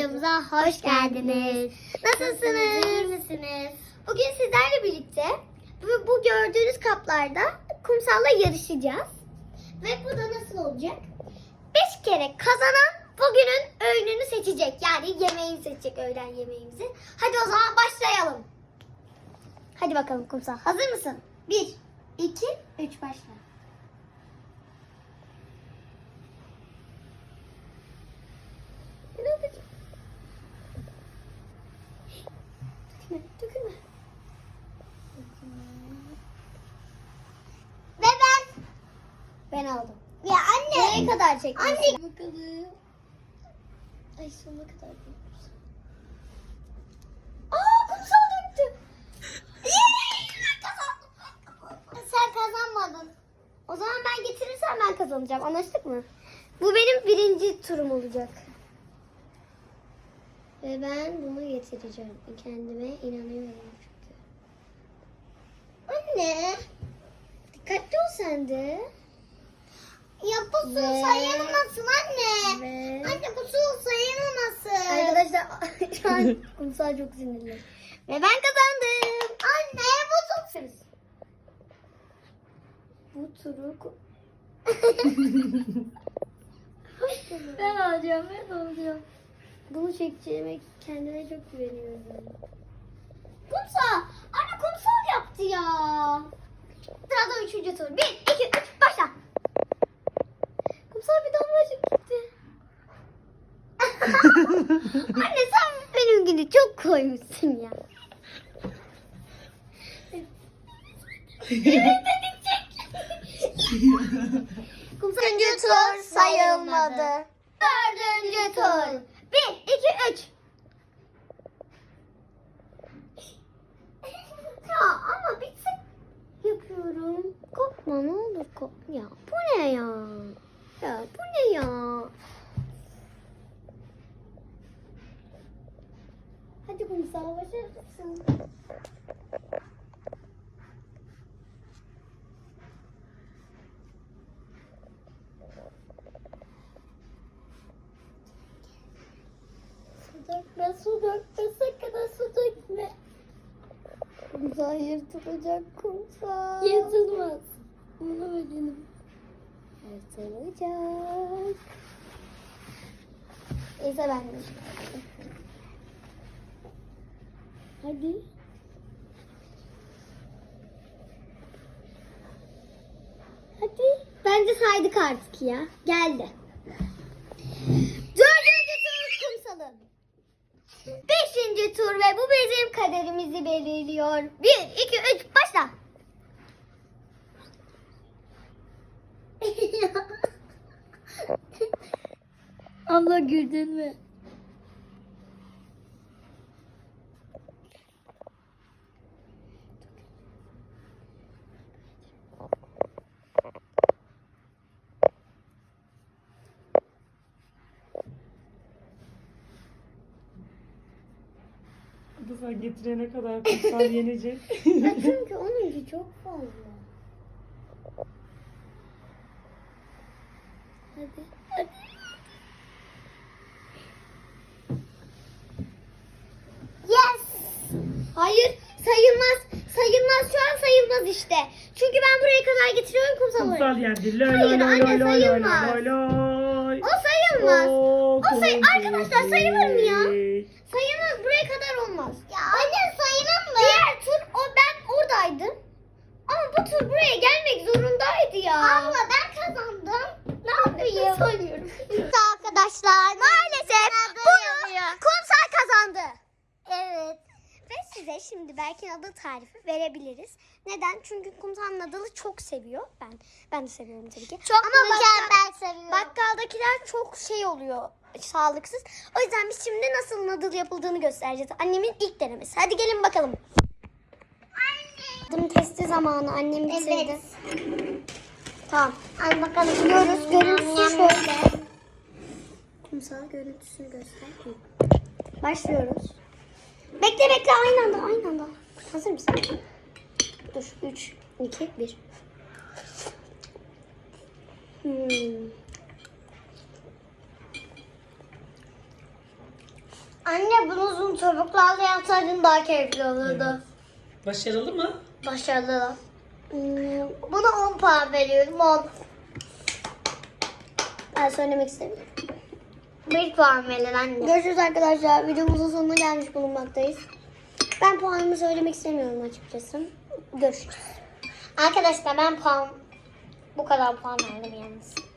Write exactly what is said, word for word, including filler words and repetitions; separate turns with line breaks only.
kanalımıza hoş geldiniz. Nasılsınız?
İyi misiniz?
Bugün sizlerle birlikte bu, bu gördüğünüz kaplarda kumsalla yarışacağız. Ve bu da nasıl olacak? Beş kere kazanan bugünün öğününü seçecek. Yani yemeğini seçecek, öğlen yemeğimizi. Hadi o zaman başlayalım. Hadi bakalım kumsal. Hazır mısın? Bir, iki, üç başla. Dökülme, dökülme. Ve ben. Ben aldım. Ya anne. Nereye kadar çekmişsin? Anne. Bakalım. Ay sonuna kadar bekliyoruz. Aa kumsal döktü. Ben kazandım. Sen kazanmadın. O zaman ben getirirsem ben kazanacağım. Anlaştık mı? Bu benim birinci turum olacak. Ve ben bunu getireceğim. Kendime inanıyorum çünkü. Anne. Dikkatli ol sen de. Ya bu su
Ve-
sayılmasın anne.
Ve-
Anne bu su sayılmasın.
Arkadaşlar
Şu an kumsal çok sinirli. Ve ben kazandım. Anne bu su. Bu turu...
ben alacağım, ben alacağım.
Bunu çekeceğime kendime çok güveniyorum. Kumsal! Anne kumsal yaptı ya. Sırada üçüncü tur. Bir, iki, üç, başla. Kumsal bir damlacık gitti. Anne sen benimkini çok koymuşsun ya. Evet dedik çek. Kumsal üçüncü tur sayılmadı. Dördüncü tur. Bir, iki, üç. Ya ama bitsin. Yapıyorum. Korkma ne olur korkma. Ya bu ne ya? Ya bu ne ya? Hadi kumsal başarısın. Su dökme, su dökme, sakın ha su dökme. Kumsal yırtılacak kumsal.
Yırtılmaz. Bunu benim.
Yırtılacak. Neyse ben de.
Hadi.
Hadi. Bence saydık artık ya. Geldi. Dördüncü tur kumsalım. Beşinci tur ve bu bizim kaderimizi belirliyor. Bir, iki, üç, başla.
Abla güldün mü?
Bu sen getirene kadar kumsal yenecek.
Ya çünkü onunki çok fazla. Hadi. Hadi. Yes. Hayır sayılmaz. Sayılmaz şu an sayılmaz işte. Çünkü ben buraya kadar getiriyorum kumsalı.
Kumsal yendi. Loy
Hayır
loy
anne,
loy loy loy
sayılmaz.
loy loy.
O sayılmaz.
Oo,
O say arkadaşlar sayılır mı ya?
kumsal.
Sayılmaz buraya kadar olmaz. Ya anne sayılır mı? Diğer tur o ben oradaydım. Ama bu tur buraya gelmek zorundaydı ya. Abla ben kazandım. Ne yapayım? Söylüyorum. Arkadaşlar maalesef bunu kumsal kazandı. Evet. Ve size şimdi belki adı tarifi verebiliriz. Neden? Çünkü kumsalın adını çok seviyor. Ben ben de seviyorum tabii ki. Çok Ama mükemmel seviyorum. Bakkaldakiler çok şey oluyor. Sağlıksız. O yüzden biz şimdi nasıl noodle yapıldığını göstereceğiz. Annemin ilk denemesi. Hadi gelin bakalım. Adım testi zamanı. Annem bitirdi. Tamam. Hadi bakalım. Biliyoruz. Görüntüsü şöyle. Kumsal görüntüsünü göster. Başlıyoruz. Bekle bekle aynı anda aynı anda. Hazır mısın? Dur. üç, iki, bir. Hmm. Anne bunu uzun çubuklarla yapsaydın daha keyifli olurdu.
Evet. Başarılı mı?
Başarılı. Hmm, Buna on puan veriyorum. on. Ben söylemek istemiyorum. bir puan verin anne. Görüşürüz arkadaşlar. Videomuzun sonuna gelmiş bulunmaktayız. Ben puanımı söylemek istemiyorum açıkçası. Görüşürüz. Arkadaşlar ben puan bu kadar puan verdim yalnız.